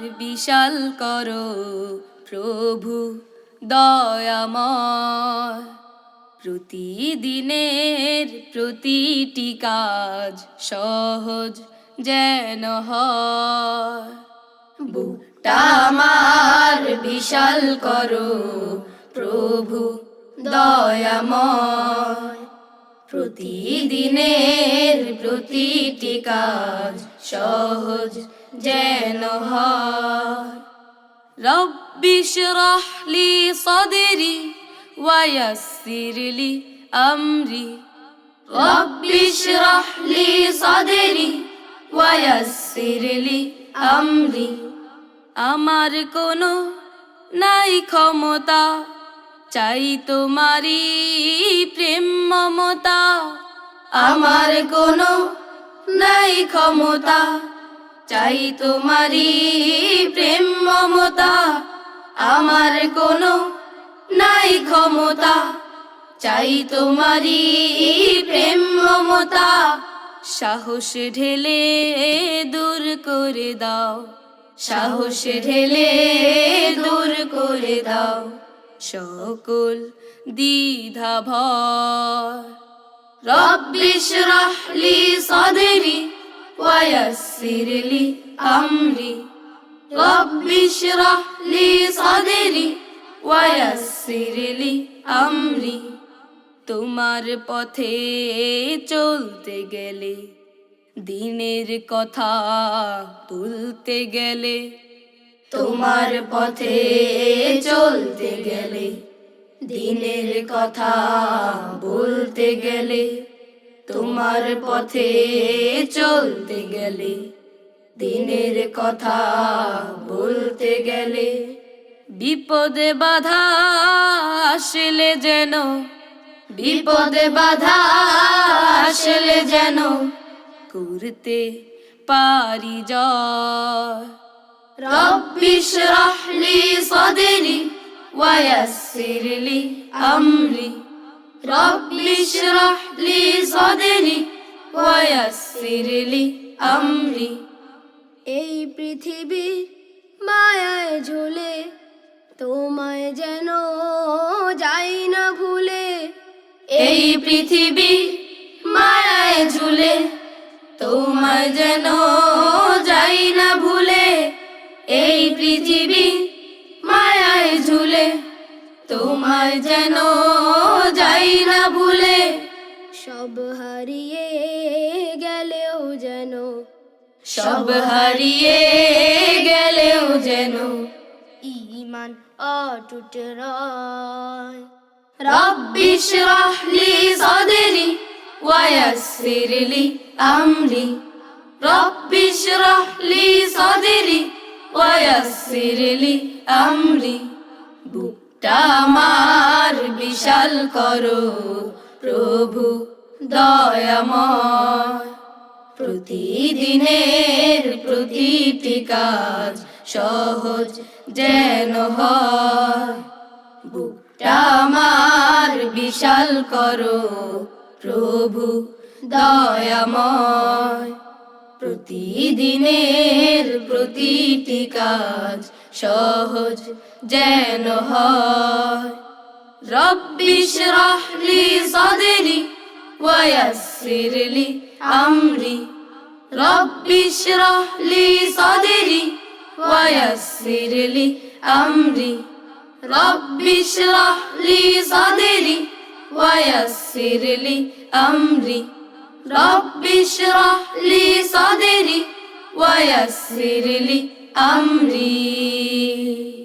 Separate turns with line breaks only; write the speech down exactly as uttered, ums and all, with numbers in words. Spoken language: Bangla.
বিশাল করো প্রভু দয়াময়। প্রতিদিনের প্রতিটি কাজ সহজ যেন হয়। বুকটা আমার বিশাল করো প্রভু দয়াময়। প্রতিদিনের প্রতিটি কাজ সহজ যেন হয়। রব্বি ইশরাহ লি সাদরি ওয়ায়াসসির লি আমরি। রব্বি ইশরাহ লি সাদরি ওয়ায়াসসির লি আমরি। আমার কোনো নাই ক্ষমতা, চাই তোমারি প্রেম মমতা। আমার কোনো নাই ক্ষমতা, চাই তোমারি প্রেম মমতা। আমার কোনো নাই ক্ষমতা, চাই তোমারি প্রেম মমতা। সাহস ঢেলে দূর করে দাও, সাহস ঢেলে দূর করে দাও সকল দ্বিধা ভয়। রব্বি ইশরাহ লি সাদরি ওয়ায়াসসির লি আমরি। রব্বি ইশরাহ লি সাদরি ওয়ায়াসসির লি আমরি। তোমার পথে চলতে গেলে, দিনের কথা তুলতে গেলে, তোমার পথে চলতে গেলে, দিনের কথা বলতে গেলে, তোমার পথে চলতে গেলে, দিনের কথা বলতে গেলে, বিপদে বাধা আসলে যেন, বিপদে বাধা আসলে যেন করতে পারি জয়। রব্বি ইশরাহ লি সাদরি ওয়ায়াসসির লি আমরি। রব্বি ইশরাহ লি সাদরি ওয়ায়াসসির লি আমরি।
এই পৃথিবী মায়ায় ঝুলে, তোমায় যেন যাই না ভুলে।
এই পৃথিবী মায়ায় ঝুলে, তোমায় যেন যাই না ভুলে। এই পৃথিবী মায়ায় ঝুলে, তোমায় যেন যাই না ভুলে।
সব হারিয়ে গেলেও যেন,
সব হারিয়ে গেলেও যেন
ঈমান অটুট রয়।
রব্বি ইশরাহ লি সাদরি ওয়ায়াসসির লি আমরি। রব্বি ইশরাহ লি সাদরি ওয়ায়াসসির লি আমরি। বুকটা আমার বিশাল করো প্রভু দয়াময়। প্রতিদিনের প্রতিটি কাজ সহজ যেন হয়। বুকটা আমার বিশাল করো প্রভু দয়াময়। প্রতিদিনের প্রতিটি কাজ সহজ যেন হয়। রব্বি ইশরাহ লি সাদরি ওয়ায়াসসির লি আমরি। রব্বি ইশরাহ লি সাদরি ওয়ায়াসসির লি আমরি। রব্বি ইশরাহ লি সাদরি ওয়ায়াসসির লি আমরি। রব্বি ইশরাহ লি সাদরি ওয়ায়াসসির লি আমরি।